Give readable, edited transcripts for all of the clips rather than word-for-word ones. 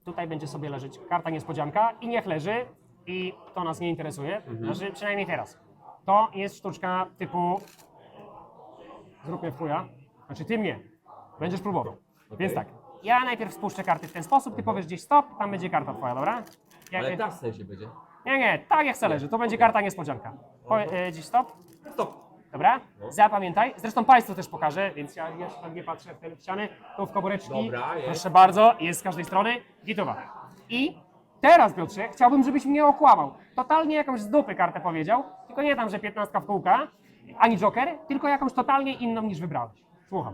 tutaj będzie sobie leżeć karta niespodzianka i niech leży i to nas nie interesuje, znaczy przynajmniej teraz. To jest sztuczka typu zrób mnie w chuja, znaczy ty mnie, będziesz próbował. Więc tak, ja najpierw spuszczę karty w ten sposób, ty powiesz gdzieś stop, tam będzie karta twoja, dobra? Ale ta w sensie będzie. Nie, tak jak chce leży, to będzie karta niespodzianka. Gdzieś stop, Stop. dobra? Zapamiętaj, zresztą Państwu też pokażę, więc ja jeszcze nie patrzę w te ściany, tu w komóreczki, Dobra, jest. proszę bardzo, jest z każdej strony, gitowa. I teraz, Piotrze, chciałbym, żebyś mnie okłamał. Totalnie jakąś z dupy kartę powiedział, tylko nie tam, że 15 w kółka, ani joker, tylko jakąś totalnie inną niż wybrałeś. Słucham.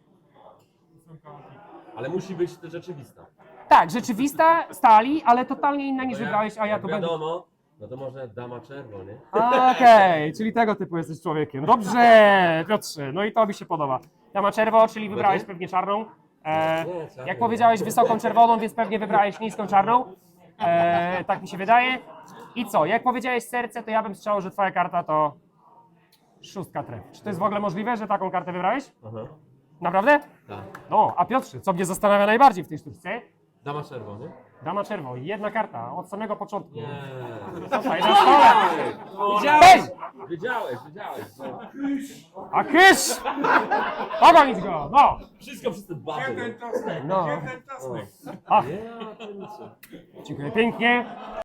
Ale musi być to rzeczywista. Tak, rzeczywista, stali, ale totalnie inna niż wybrałeś, a ja jak tu będę... wiadomo, no to może dama czerwo, nie? Okej, czyli tego typu jesteś człowiekiem. Dobrze, Piotrze, no i to mi się podoba. Dama czerwo, czyli wybrałeś pewnie czarną. Nie, czarną. Jak powiedziałeś, wysoką czerwoną, więc pewnie wybrałeś niską czarną. Tak mi się wydaje. I co, jak powiedziałeś serce, to ja bym strzelał, że twoja karta to szóstka tref. Czy to jest w ogóle możliwe, że taką kartę wybrałeś? Aha. Naprawdę? Tak. No, a Piotrze, co mnie zastanawia najbardziej w tej sztuczce? Dama czerwo, nie? Dama czerwo, jedna karta, od samego początku. Nie. Tutaj, na stole. Wiedziałeś! Wiedziałeś. No. A kysz! Pogonić go, no! Wszystko przez ten bazy. No. Jeden czosnek. Ach, Nie, to nic. dziękuję pięknie.